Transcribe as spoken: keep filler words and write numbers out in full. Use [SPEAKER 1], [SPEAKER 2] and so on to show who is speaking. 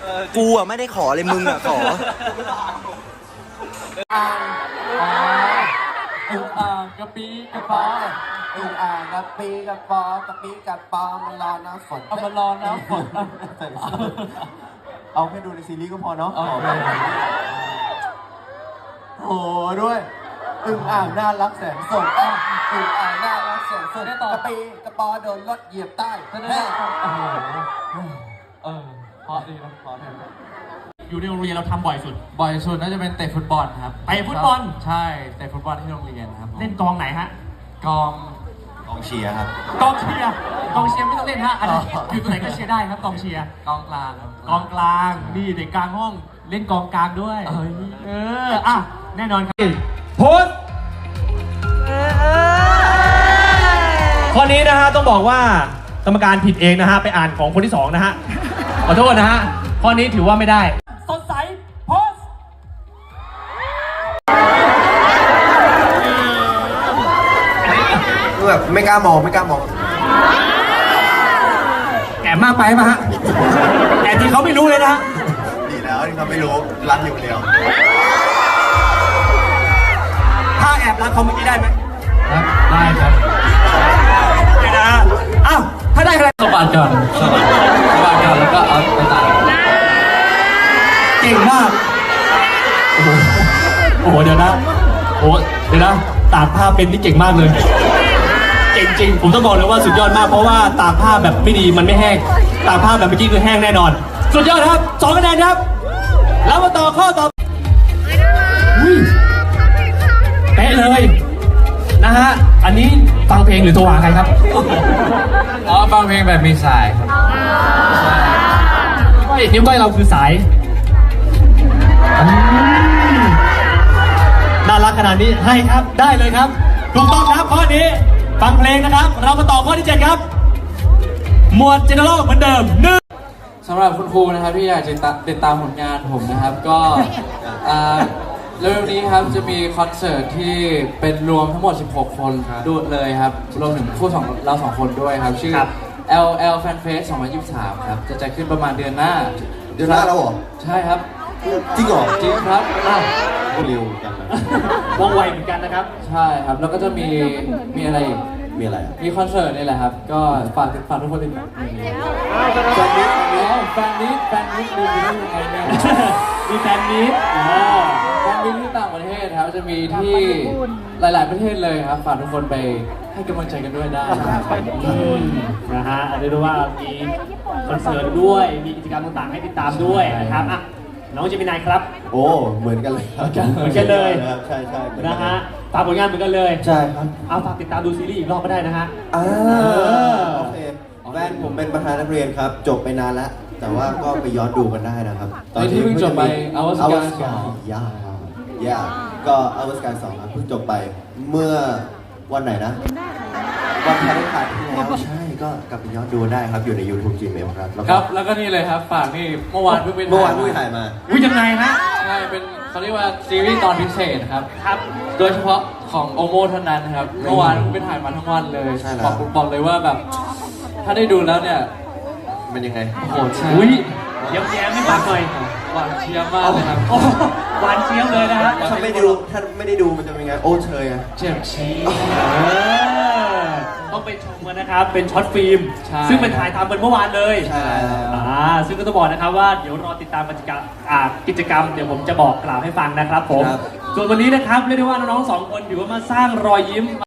[SPEAKER 1] กูอ่ะไม่ได้ขอเลยมึงอ่ะขอ
[SPEAKER 2] อ่างอึ่งอ่างกระปีกระปออึ่งอ่างกระปีกระปอกระปีกระปอมันรอน้ำฝนเอามันรอน้ำฝนเอาแค่ดูในซีรีส์ก็พอเนาะโอ้ด้วยอึ่งอ่างน่ารักแสนสดอึ่งอ่างน่ารักแสนสดกระปีกระปอโดนรถเหยียบใต้แม่เออพอดีนะพอดีอยู่ในโรงเรียนเราทำบ่อยสุด
[SPEAKER 3] บ่อยสุดน่าจะเป็นเตะฟุตบอลครับ
[SPEAKER 2] เตะฟุตบอล
[SPEAKER 3] ใช่เตะฟุตบอลที่โรงเรียนครับ
[SPEAKER 2] เล่นกองไหนฮะ
[SPEAKER 3] กอง
[SPEAKER 1] กองเชียร์ครับ
[SPEAKER 2] กองเชียร์กองเชียร์ไม่ต้องเล่นฮะอะไรอยู่ตรงไหนก็เชียร์ได้ครับกองเชียร์
[SPEAKER 3] กองกลางครับ
[SPEAKER 2] กองกลางนี่เด็กกลางห้องเล่นกองกลางด้วยเอออ่ะแน่นอนครับโพสข้อนี้นะฮะต้องบอกว่ากรรมการผิดเองนะฮะไปอ่านของคนที่สองนะฮะขอโทษนะฮะข้อนี้ถือว่าไม่ได้สดใสโพส
[SPEAKER 1] แบบไม่กล้ามองไม่กล้ามอง
[SPEAKER 2] แอบมากไปป่ะฮะแอบที่เขาไม่รู้เลยนะ
[SPEAKER 1] ดีแล้วที่เขาไม่รู้รักอยู่เดียว
[SPEAKER 2] ถ้าแอบรักเขาเมื่อกี้ได้ไหม
[SPEAKER 3] ได้ครับ
[SPEAKER 2] เดี๋ยวนะอ้าวถ้าได้อะไร
[SPEAKER 3] สบัดก่อนสบัดสบัดก่อนแล้วก็เอาไปตัด
[SPEAKER 2] เก่งมากโอ้โหโอ้โหเดี๋ยวนะโอ้เดี๋ยวนะตากผ้าเป็นที่เก่งมากเลยเก่งจริงผมต้องบอกเลยว่าสุดยอดมากเพราะว่าตากผ้าแบบไม่ดีมันไม่แห้งตากผ้าแบบเมื่อกี้คือแห้งแน่นอนสุดยอดครับสองคะแนนครับแล้วมาต่อข้อต่อเป๊ะเลยนะฮะอันนี้ฟังเพลงหรือโทรหาใครครับ
[SPEAKER 3] อ๋อฟังเพลงแบบมีสายครับ
[SPEAKER 2] นิ้วก้อยเราคือสายน่ารักขนาดนี้ให้ครับได้เลยครับถูกต้องครับข้อนี้ฟังเพลงนะครับเรามาต่อข้อที่เจ็ดครับหมวดเจเนอเรลเหมือนเดิมหนึ่ง
[SPEAKER 3] สำหรับคุณครูนะครับที่อยากจะติดตามผลงานผมนะครับก็เร็วๆนี้ครับจะมีคอนเสิร์ตที่เป็นรวมทั้งหมดสิบหกคนดูเลยครับรวมถึงคู่สองเราสองคนด้วยครับชื่อ แอล แอล Fan Fest สองพันยี่สิบสามครับจะจัดขึ้นประมาณเดือนหน้า
[SPEAKER 1] เดือนหน้าแล้วเหรอ
[SPEAKER 3] ใช่ครับ
[SPEAKER 1] จริงเหรอ
[SPEAKER 3] จริงครับ
[SPEAKER 1] เร็วกัน
[SPEAKER 2] ว่องไวเหมือนกันนะครับ
[SPEAKER 3] ใช่ครับแล้วก็จะมีมีอะไร
[SPEAKER 1] มีอะไร
[SPEAKER 3] มีคอนเสิร์ตนี่แหละครับก็ฝากฝากทุกคนติดตามแฟนมิตแฟนมิตแฟนมิตดูได้ยังไงเนี่ย
[SPEAKER 2] มีแฟนมิต
[SPEAKER 3] แฟนมิตที่ต่างประเทศครับจะมีที่หลายๆประเทศเลยครับฝากทุกคนไปให้กำลังใจกันด้วยได้
[SPEAKER 2] นะฮะเรียกได้ว่ามีคอนเสิร์ตด้วยมีกิจกรรมต่างๆให้ติดตามด้วยนะครับอ่ะน้องเจมินายครับ
[SPEAKER 1] โอ้เหมือนกันเลย
[SPEAKER 2] เหมือนกันเลย
[SPEAKER 1] ใช่ใช่
[SPEAKER 2] นะฮะฝากผลงานเหมือนกันเลย
[SPEAKER 1] ใช่ครับ
[SPEAKER 2] เอาฝากติดตามดูซีรีส์อีกรอบก็ได้นะฮะ
[SPEAKER 1] อ่าโอเคแฟนผมเป็นประธานนักเรียนครับจบไปนานแล้วแต่ว่าก็ไปย้อนดูกันได้นะครับ
[SPEAKER 3] ตอนที่เพิ่งจบไปอวสการสอง
[SPEAKER 1] ย่าย่าก็อวสการสองครับเพิ่งจบไปเมื่อวันไหนนะวันพฤหัสที่แล้วใช่ก็กลับไปย้อนดูได้ครับอยู่ใน YouTube Gmail ครับ
[SPEAKER 3] ครับแล้วก็นี่เลยครับฝากนี่เมื่อวานเพิ่งเป็น
[SPEAKER 1] เมื่อวานเพิ่งถ่ายมา
[SPEAKER 2] วิยังไงฮะ
[SPEAKER 3] ใช่เป็นเขาเรียกว่าซีรีส์ตอนพิเศษครับครับโดยเฉพาะของโอโมเท่านั้นครับเมื่อวานเพิ่งไปถ่ายมาทั้งวันเลยบอกบอกเลยว่าแบบถ้าได้ดูแล้วเนี่ย
[SPEAKER 1] เป็นยังไง
[SPEAKER 3] โอ้โหใช่
[SPEAKER 2] เยี่ยมแย้มไม่ฟังหน่อย
[SPEAKER 3] หวานเชียร์มากเลยครับ
[SPEAKER 2] หวานเชียร์เลยนะฮะ
[SPEAKER 1] ถ้าไม่ดูถ้าไม่ได้ดูมันจะเป็นไงโอ้เชยอะ
[SPEAKER 3] เจ็บชี้
[SPEAKER 2] ต้องไปชมกันนะครับเป็นช็อตฟิล์มซึ่งเป็นถ่ายทำเป็นเมื่อวานเลย
[SPEAKER 1] ใช่
[SPEAKER 2] อ่าซึ่งก็ต้องบอกนะครับว่าเดี๋ยวรอติดตามกิจกรรมอ่ากิจกรรมเดี๋ยวผมจะบอกกล่าวให้ฟังนะครับผมส่วนวันนี้นะครับเรียกได้ว่าน้องๆสองคนถือว่ามาสร้างรอยยิ้ม